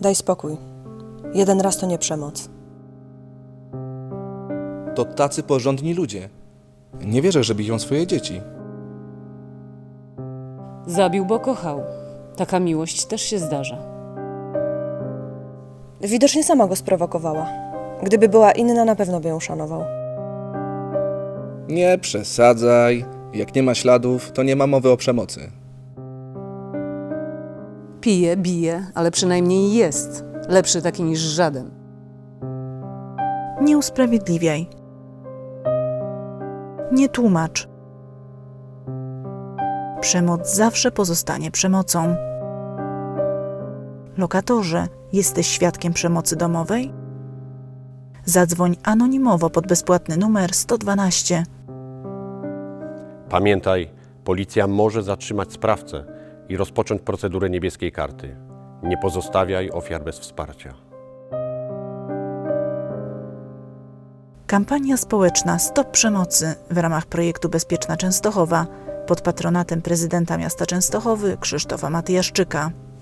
Daj spokój. Jeden raz to nie przemoc. To tacy porządni ludzie. Nie wierzę, że biją swoje dzieci. Zabił, bo kochał. Taka miłość też się zdarza. Widocznie sama go sprowokowała. Gdyby była inna, na pewno by ją szanował. Nie przesadzaj. Jak nie ma śladów, to nie ma mowy o przemocy. Pije, bije, ale przynajmniej jest. Lepszy taki niż żaden. Nie usprawiedliwiaj. Nie tłumacz. Przemoc zawsze pozostanie przemocą. Lokatorze, jesteś świadkiem przemocy domowej? Zadzwoń anonimowo pod bezpłatny numer 112. Pamiętaj, policja może zatrzymać sprawcę i rozpocząć procedurę niebieskiej karty. Nie pozostawiaj ofiar bez wsparcia. Kampania społeczna Stop Przemocy w ramach projektu Bezpieczna Częstochowa pod patronatem prezydenta miasta Częstochowy Krzysztofa Matyjaszczyka.